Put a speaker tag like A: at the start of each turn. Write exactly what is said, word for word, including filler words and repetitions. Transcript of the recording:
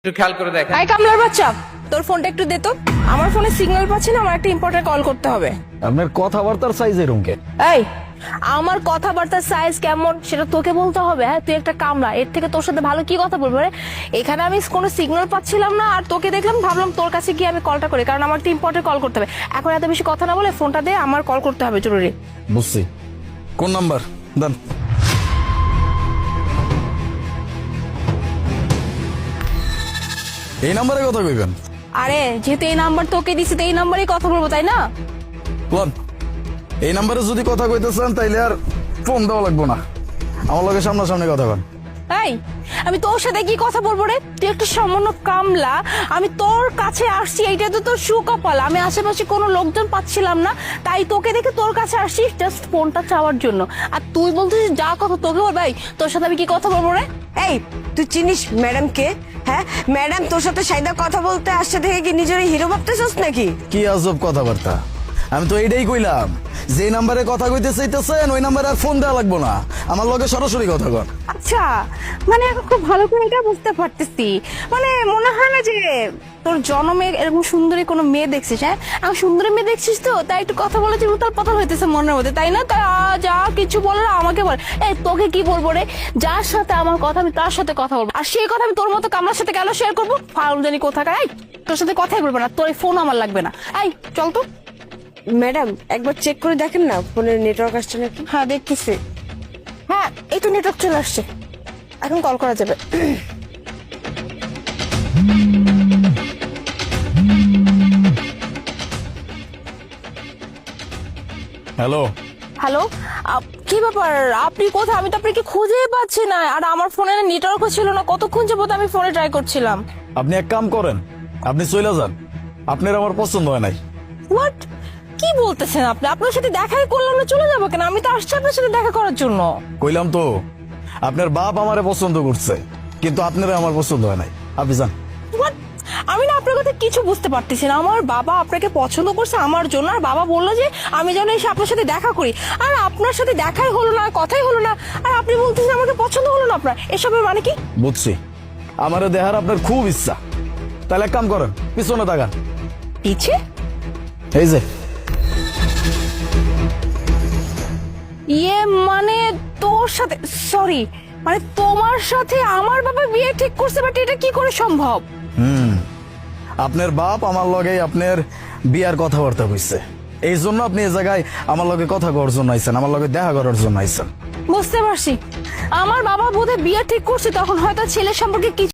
A: একটু খেয়াল করে দেখেন।
B: আই কামলার বাচ্চা, তোর ফোনটা একটু দে তো। আমার ফোনে সিগন্যাল পাচ্ছি না, আমার একটা ইম্পর্টেন্ট কল করতে হবে।
C: আপনার কথাবার্তার সাইজ এরকম কে?
B: এই, আমার কথাবার্তার সাইজ কেমন সেটা তোকে বলতে হবে? হ্যাঁ, তুই একটা কামলা, এর থেকে তোর সাথে ভালো কি কথা বলবো রে? এখানে আমি কোনো সিগন্যাল পাচ্ছিলাম না, আর তোকে দেখলাম, ভাবলাম তোর কাছে গিয়ে আমি কলটা করি, কারণ আমার একটা ইম্পর্টেন্ট কল করতে হবে। এখন এত বেশি কথা না বলে ফোনটা দে, আমার কল করতে হবে জরুরি।
C: বুঝছি। কোন নাম্বার দেন? এই নাম্বারে কথা কইবেন?
B: আরে যেহেতু এই নাম্বার তোকে দিছি, তো এই নাম্বারেই কথা বলবো, তাই না?
C: কোন এই নাম্বারে যদি কথা কইতেছেন তাইলে আর ফোন দেওয়া লাগবো না, আমার লগে সামনাসামনি কথা কন।
B: এই, আমি তোর সাথে কি কথা বলবো রে? তুই একটা সামান্য কামলা, আমি তোর কাছে আসছি, এইটা তো তোর সুকপাল। আমি আশেপাশে কোনো লোকজন পাচ্ছিলাম না, তাই তোকে দেখে তোর কাছে আসছি জাস্ট ফোনটা চাওয়ার জন্য। আর তুই বলছিস যা কথা তোকে বল। ভাই, তোর সাথে আমি কি কথা বলবো রে?
D: এই, তুই চিনিস ম্যাডাম কে? হ্যাঁ, ম্যাডাম তোর সাথে সাইদা কথা বলতে আসছে দেখে কি নিজের হিরো ভাবতেছস নাকি?
C: কি আজব কথাবার্তা! আমি তো এইটাই কইলাম, যে নাম্বারে কথা কইতে চাইতেছেন ওই নাম্বারে আর ফোন দেওয়া লাগবো না, আমার লগে সরাসরি কথা কন।
B: আচ্ছা, মানে এখন খুব ভালো করে এটা বুঝতে পারতেছি। মানে মনে হয় না যে তোর জন্মে এরকম সুন্দরী কোনো মেয়ে দেখছিস। হ্যাঁ, আমি সুন্দরী মেয়ে দেখছিস তো, তাই একটু কথা বলে যে উতাল পাতাল হইতেছে মনের মধ্যে, তাই না? তাই আ, যা কিছু বলে আমাকে বল। এই, তোকে কি বলবো রে? যার সাথে আমার কথা আমি তার সাথে কথা বলবো, আর সেই কথা আমি তোর মতো কামলার সাথে কেন শেয়ার করবো? ফাউল জানি কোথাকার। এই, তোর সাথে কথাই বলবো না, তোর এই ফোন আমার লাগবে না। এই চল তো।
D: ম্যাডাম একবার চেক করে দেখেন না ফোনের নেটওয়ার্ক আসছে নাকি।
B: হ্যাঁ দেখতেছি, হ্যাঁ এই তো নেটওয়ার্ক চলে আসছে, এখন কল করা যাবে।
C: হ্যালো।
B: হ্যালো, কি ব্যাপার? আপনি কোথায়? আমি তো আপনাকে খুঁজেই পাচ্ছি না, আর আমার ফোনে নেটওয়ার্কও ছিল না। কতক্ষণ যাবত আমি ফোনে ট্রাই করছিলাম।
C: আপনি এক কাম করেন, আপনি চলে যান, আপনার আমার পছন্দ হয় নাই।
B: হোয়াট? কি বলতেছেন আপনি? আপনার সাথে দেখাই করলাম না, চলে যাবো কেন? আমি তো আসছি আপনার সাথে দেখা করার জন্য।
C: কইলাম তো, আপনার বাপ আমারে পছন্দ করছে, কিন্তু আপনারা আমার পছন্দ হয় নাই, আপনি যান।
B: হোয়াট? আমি না আপনার কথা কিছু বুঝতে পারতেছি না। আমার বাবা আপনাকে পছন্দ করছে আমার জন্য, আর বাবা বললো যে আমি যেন এসে আপনার সাথে দেখা করি, আর আপনার সাথে দেখাই হলো না, কথাই হলো না, আর আপনি বলতেছেন আমাকে পছন্দ হলো না আপনার। এসবের মানে কি?
C: বুঝছি, আমারে দেখার আপনার খুব ইচ্ছা, তাহলে এক কাম করেন, পিছনে তাকান।
B: পিছে?
C: এই যে।
B: ইয়ে মানে তোর সাথে, সরি, মানে তোমার সাথে আমার বাবা বিয়ে ঠিক করছে, বাট এটা কি করে সম্ভব?
C: হুম আপনার বাপ আমার লগে আপনার বিয়ার কথাবার্তা কইছে, এই জন্য আপনি এই জায়গায় আমার লগে কথা করার জন্য আইছেন, আমার লগে দেখা করার জন্য আইছেন।
B: বুঝতে পারছি, আমার বাবা বোধহয় বিয়ে ঠিক করছে, তখন হয়তো ছেলের সম্পর্কে কিছু